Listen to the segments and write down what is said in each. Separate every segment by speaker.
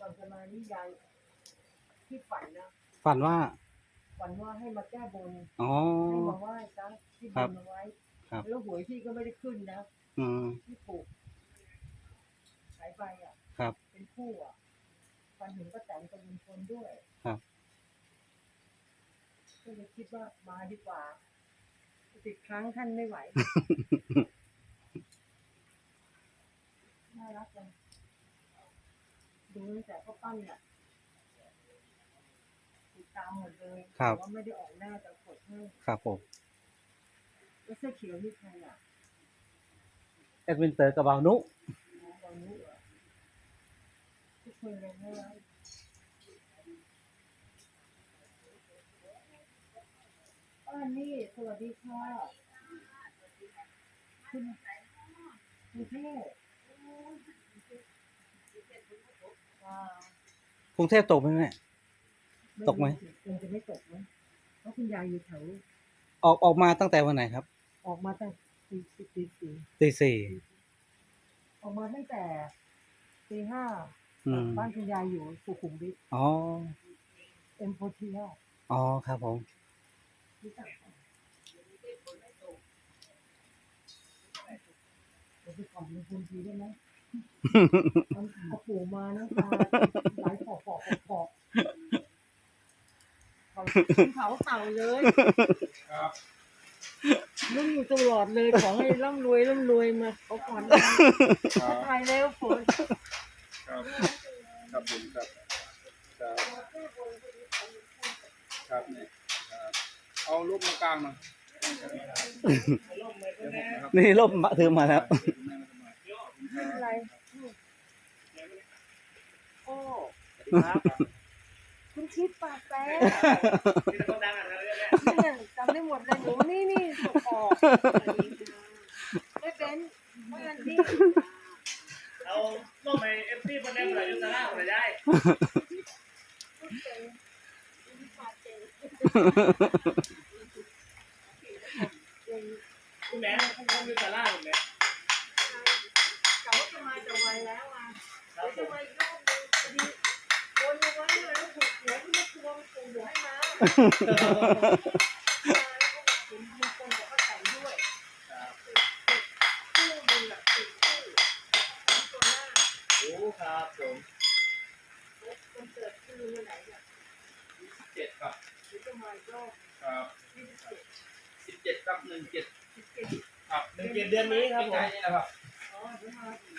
Speaker 1: ก่อนจะมานี่ยายที่ฝันนะ
Speaker 2: ฝันว่า
Speaker 1: ฝันว่าให้มาแก้บน
Speaker 2: อ๋อ
Speaker 1: ให้มาไหว้ซะที่บนเอาไว้
Speaker 2: ครับ
Speaker 1: แล้วหวยพี่ก็ไม่ได้ขึ้นนะ
Speaker 2: อืม
Speaker 1: ที่ถูกสายไฟอ่ะ
Speaker 2: ครับ
Speaker 1: เป็นคู่อ่ะฝันเห็นป้าแตนกับลุงพลด้วย
Speaker 2: ครับ
Speaker 1: ก็เลยคิดว่ามาดีกว่า10 ครั้งท่านไม่ไหว น่ารักจังดูตั้งแต่พ่อปั้นเนี่ยติดตามหมดเลย
Speaker 2: ครับ
Speaker 1: แต่ว่าไม่ได้ออกหน้าแต่กดให้
Speaker 2: ครับผม
Speaker 1: แล้วเสื้อเขียวนี่ใครอ่ะ
Speaker 2: แอดมินเตอร์กับบาวนุ
Speaker 1: น้องบอลนุเหรอที่เคยเรียนให้เรานี่สวัสดีค่ะคุณเทพ
Speaker 2: กรุงเทพตกไหมแม่ ตกไหม
Speaker 1: คงจะไม่ตกนะเพราะคุณยายอยู่แถว
Speaker 2: ออกมาตั้งแต่วันไหนครับ
Speaker 1: ออกมาตั้งตีสี่
Speaker 2: ตีสี่
Speaker 1: ออกมาตั้งแต่ตีห้า
Speaker 2: อืม
Speaker 1: บ้านคุณยายอยู่สุขุมวิท
Speaker 2: อ๋อ
Speaker 1: เอ็มโพเทีย
Speaker 2: อ๋อครับผม
Speaker 1: รู้จักปะเดี๋ยวไปขอบลุงพลทีได้ไหมเอาปู่มานะตาไหลปอกเขาเต่าเลยนุ่มอยู่ตลอดเลยขอให้ร่ำรวยมาเขาก่อนทักทายแล้วฝน
Speaker 3: ครับครับผมครับครับนี่ครับเอารูปมากลางมา
Speaker 2: นี่ร่มถือมาแล้ว
Speaker 1: อะไรโอ้คุณคิดปากแป๊ะเนี่ยจำได้หมดเลยหนูนี่ส่งออกไม่เป็นไม่อันนี้
Speaker 4: เอาลงไปเอฟซีบนแดงหลายยุทธนาอะไรได้คุณแม่คุณยุทธนาคุณแม่
Speaker 1: แต่ว่าจะมาจะไวแล้วอ่ะเดี๋ยวจะมาอีกรอบนึงพอดีโอนเอาไว้แล้วถูกหวยที่ไม่ทวงส่งหวยให้มาถึงมีคนบอกว่าแต่งด้วยคู่ดูหลัก10 คู่ตัวหน้า
Speaker 4: โอ้ครับผม
Speaker 1: คนเกิดคือวันไหนเนี่ย
Speaker 3: 7ครับ
Speaker 1: หรือจะมาอีกรอบ
Speaker 3: ครับ
Speaker 1: 27
Speaker 3: 17ครับ17
Speaker 1: 17
Speaker 3: ครับ
Speaker 4: 1 เดือนนี้ครับผม
Speaker 3: ใกล้ๆนี่นะครับ
Speaker 1: อ๋อเดี๋ยวมาอีก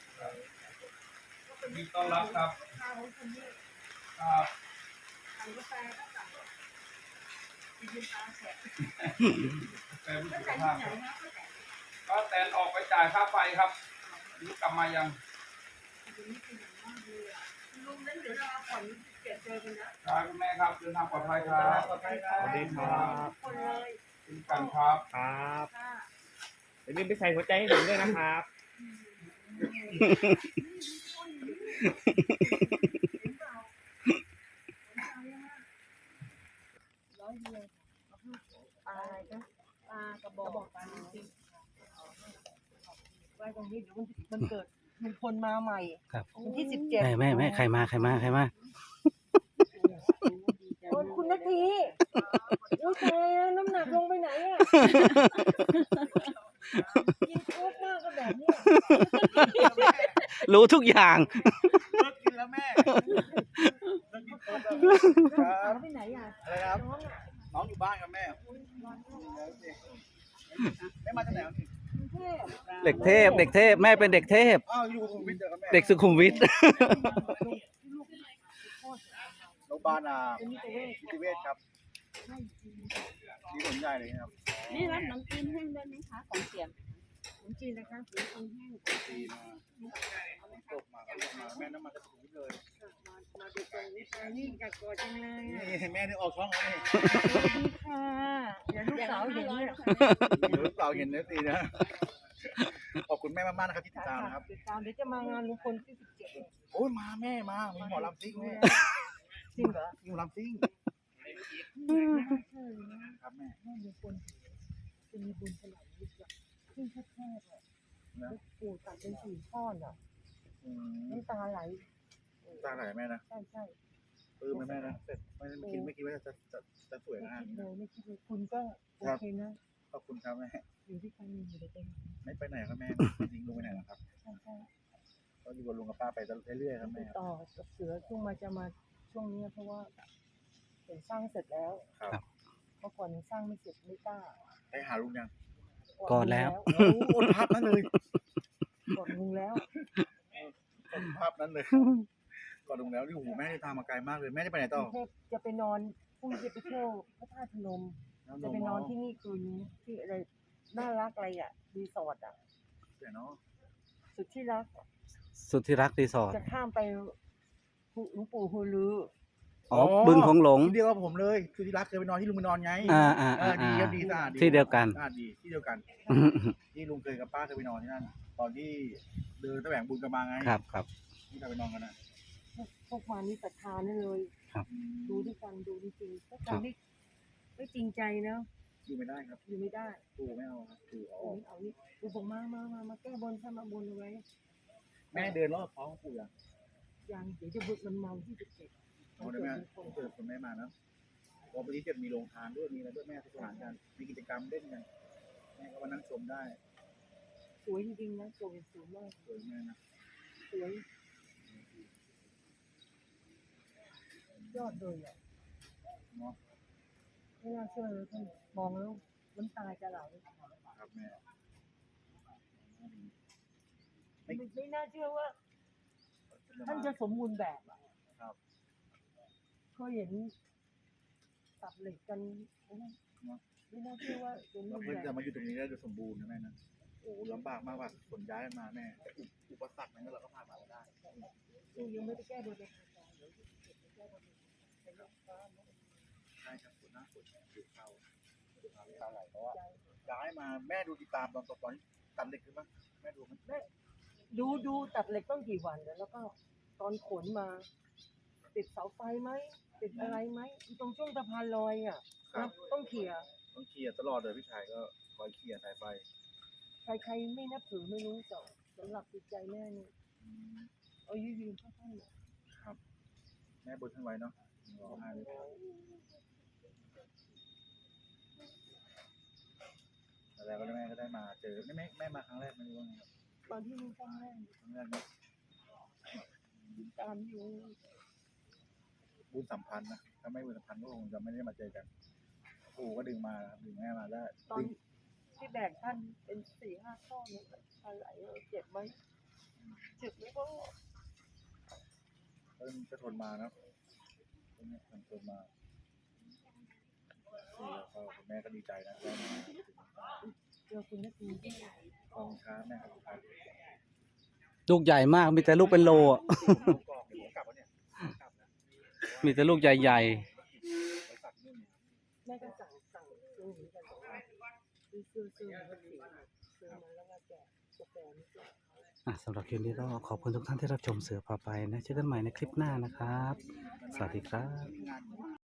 Speaker 3: ยินดีต้อนรับครับ
Speaker 1: ข้าวของคนนี้
Speaker 3: ครับ
Speaker 1: สั่งกาแฟก็สั่งกินตาแฉะ
Speaker 3: แต่ผู้
Speaker 1: แล้ว
Speaker 3: สุข
Speaker 1: แต่ง
Speaker 3: ภา
Speaker 1: ที่
Speaker 3: พ
Speaker 1: ไหน
Speaker 3: ครับ
Speaker 1: นะก็แต่ง
Speaker 3: ก็แตนออกไปจ่ายค่าไฟครับนี่กลับมายัง
Speaker 1: ลุงนั้นเดี๋ยวเราผ่อนเก็บเจอกันนะครับ
Speaker 3: คุณแม่ครับเดินทางปลอดภัยครับ
Speaker 4: ขอบคุณครับ
Speaker 3: สวัสดีครับ
Speaker 1: คนเลย
Speaker 3: เช่นกันครับ
Speaker 4: ครับ
Speaker 1: ค่ะ
Speaker 4: อย่าลืมไปใส่หัวใจให้ผมด้วยนะครับ
Speaker 1: ร้อยเดียวปลาอะไรนะปลากระบอกปลาจริงไว้ตรงนี้เดี๋ยวมันเกิดมีคนมาใหม่
Speaker 2: ครับ
Speaker 1: วันที่17
Speaker 2: แม่ใครมา
Speaker 1: โอ้ยคุณนาทีโอ้ยตายแล้วน้ำหนักลงไปไหนอ่ะกินโค้กมากก็แบบเนี้ย
Speaker 2: รู้ทุกอย่าง
Speaker 3: เลิกกินแล้วแม่เลิกกินโค้กแล้ว
Speaker 1: แล้วไปไหนอ่ะ
Speaker 3: อะไรครับ
Speaker 1: น้องอ่ะ
Speaker 3: น้องอยู่บ้านกับแม่ไม่มาจากไหนนี่
Speaker 1: กรุงเทพ
Speaker 2: เด็กเทพ แม่เป็นเด็กเทพ
Speaker 3: อ้าวอยู่สุขุมวิทเจอกับแม่
Speaker 2: เด็กสุขุมวิท
Speaker 3: โรงพยาบาลนิติเวชครับที่ผลใหญ่เลยครับ
Speaker 5: นี่รับน้ำจิ้มแห้งได้ไหมคะของเสียม
Speaker 1: ขนมจีนนะคะขนมจีนแห้ง
Speaker 3: ตีมาตกมาแม่น้ำมันจะสุขุมวิทเลย
Speaker 1: มาดูตรงนี้ตรงนี้อยากกอดจังเลยอ่ะ
Speaker 3: นี่แม่นี่ออกช่องแล้วนี่
Speaker 1: สวัสดีค่ะเดี๋ยวลูกสาวเห็นเนี่ย
Speaker 3: เดี๋ยวลูกสาวเห็นนะตีนะขอบคุณแม่มากๆนะครับที่ติดตามนะครับ
Speaker 1: ติดตามเดี๋ยวจะมางานลุงพลที่17
Speaker 3: โอ้ยมาแม่มามีหมอลำซิ่งแม่
Speaker 1: จริงเหรอ
Speaker 3: มีหมอลำซิ่ง ครับแม่
Speaker 1: แม่ลุงพลจะมีบุญขนาดนี้จ้ะขึ้นแค่ๆอ่ะแล้วปู่ตัดเป็น4 ข้อนอ่ะ
Speaker 3: อืม
Speaker 1: น้ำตาไหล
Speaker 3: ตาไหลแม่นะ
Speaker 1: ใช่ใช่
Speaker 3: ปลื้มไหมแม่นะเสร็จไม่คิดว่าจะสวย
Speaker 1: ไม่
Speaker 3: ขนาด
Speaker 1: คิด
Speaker 3: นี้
Speaker 1: เลยไม่คิดเลยคุณก็โอเคนะ
Speaker 3: ขอบคุณครับแม่
Speaker 1: อยู่ที่กันอยู่ด้วยกัน
Speaker 3: ไม่ไปไหนครับแม่จริงๆลุงไปไหนหรอครับ
Speaker 1: ใช่ใช่
Speaker 3: ก็อยู่กับลุงกับป้าไปเรื่อยๆครับ
Speaker 1: ติ
Speaker 3: แม่
Speaker 1: ดต่อกับเสือช่วงจะมาช่วงนี้เพราะว่าเห็นสร้างเสร็จแล้ว
Speaker 3: ครับ
Speaker 1: เมื่อก่อนยังสร้างไม่เสร็จไม่กล้า
Speaker 3: ไปหาลุงยัง
Speaker 2: ก่อนแล้ว
Speaker 3: โอ้โหภาพนั้นเลย
Speaker 1: ก่อนลุงแล้ว
Speaker 3: ภาพนั้นเลยก่อนลุงแล้วนี่โอ้โหแม่ได้ตามมาไกลมากเลยแม่ได้ไปไหน
Speaker 1: ก
Speaker 3: ต่อ
Speaker 1: รุงเทพจะไปนอนพรุ่งนี้จะไปเที่ยวพระธาตุพนม จะไปนอนที่นี่คืนนี้ที่อะไรน่ารักอะไรอ่ะรีสอร์ทอ่ะ
Speaker 3: เดี๋ยวเนาะ
Speaker 1: สุดที่รัก
Speaker 2: สุดที่รักรีสอร์ท
Speaker 1: จะข้ามไปหลวงปู่ฮูลือ
Speaker 2: อ๋อบึงของหลง
Speaker 3: ที่เดียวกับผมเลยคือที่รักเคยไปนอนที่ลุงไปนอนไง ดีครับดีสะอาดดี
Speaker 2: ที่เดียวกัน
Speaker 3: สะอาดดีที่เดียวกัน ที่ลุงเคยกับป้าเคยไปนอนที่นั่น ตอนที่เดินตะแหวงบุญกันมาไง
Speaker 2: ครับครับ
Speaker 3: ที่เราไปนอนกันนะ
Speaker 1: พวกมานี่ศรัทธานั่นเลย ดูด้วยกันดูจริงๆถ้าใครไม่จริงใจนะ
Speaker 3: อยู่ไม่ได้ครับ
Speaker 1: อยู่ไม่ได้
Speaker 3: ปู่ไม่เอาครับปู่เอาออก
Speaker 1: เอานี่ดูบอกมาแก้บนถ้ามาบนเอาไว้
Speaker 3: แม่เดินรอบท้องปู่ยัง
Speaker 1: ยังเดี๋ยวจะบึกมันเมาที่จะเก็บ
Speaker 3: เอาได้ไหมเกิดคนแม่มานะวันนี้จะมีโรงทานด้วยมีอะไรด้วยแม่ทุกสถานกันมีกิจกรรมเล่นกันแม่ก็มานั่งชมได้
Speaker 1: สวยจริงๆนะสวยมาก
Speaker 3: สวยแม่นะ
Speaker 1: สวยยอดเลยอ่ะ
Speaker 3: เนาะ
Speaker 1: ไม่น่าเชื่อเลยท่านมองแล้วน้ำตาจะไหล
Speaker 3: ครับแม่
Speaker 1: ไม่น่าเชื่อว่า ท่านจะสมบูรณ์แบบอ่ะ
Speaker 3: ครับ
Speaker 1: ก็เห็นตัดเหล็กกันไม่น่าเชื่อว่าสมบู
Speaker 3: เรา
Speaker 1: รณ์
Speaker 3: เพิ่ง
Speaker 1: แบ
Speaker 3: จะ
Speaker 1: บ
Speaker 3: มาอยู่ตรงนี้ได้โดยสมบูรณ์นะแม่นะโอ้ลำบากมากว่าขนย้ายกันมาแม่แต่อุปสรรคนั้นเราก็ผ่านมาได้
Speaker 1: ยังไม่ได้แก้บนเลย
Speaker 3: ใช่ครับส่วนหน้าฝนดูเข้าตาไหลเพราะว่าย้ายมาแม่ดูติดตามตอนที่ตัดเหล็กขึ้นปะแม่ดูมัน
Speaker 1: ดูตัดเหล็กต้องกี่วันแล้วก็ตอนขนมา ติดเสาไฟไหมติดอะไรไหมตรงช่วงสะพานลอยอ่ะนะต้องเขี่ย
Speaker 3: ต้องเคลียร์ตลอดเลยพี่ชายก็คอยเคลียร์สายไฟ
Speaker 1: ใครไม่นับถือไม่รู้แต่สำหรับจิตใจแม่นี่เอายืนเข้าท่านน่ะ
Speaker 3: ครับแม่บนท่านไว้เนาะร้องไห้เลยแล้วก็แม่ก็ได้มาเจอแม่มาครั้งแรกไม่รู้ว่าไงครับ
Speaker 1: ตอนที่มีครั้งแรก
Speaker 3: ครั้งแรกเนาะ
Speaker 1: ตามอยู่
Speaker 3: บุญสัมพันธ์นะถ้าไม่บุญสัมพันธ์ก็คงจะไม่ได้มาเจอกันปู่ก็ดึงมาครับดึงแม่มาได้
Speaker 1: ตอนที่แบกท่านเป็น4-5 ข้อเนี่ยอะไรเจ็บไหมเจ็บไหมพ่อ
Speaker 3: ก็ทนมานะทนมาแล้วก็แม่ก็ดีใจนะได้มาถึง
Speaker 1: เจอคุณนักดีที่
Speaker 3: กองช้าแม่ครับ
Speaker 2: ลูกใหญ่มากมีแต่ลูกเป็นโลอะ
Speaker 3: ผมกรอกเดี๋ยวผมกลับวะเนี่ยกลับนะ
Speaker 2: มีแต่ลูกใหญ่
Speaker 3: ไปตัดนู่น
Speaker 1: แม่ก็สั่งซื้อเหมือนกันแต่ว่าซื้อมาแล้วซื้อมาแล้วก็แจกกาแฟนี่แจก
Speaker 2: ๆสำหรับคลิปนี้ก็ขอบคุณทุกท่านที่รับชมเสือพาไปนะเจอกันใหม่ในคลิปหน้านะครับ สวัสดีครับ
Speaker 3: งาน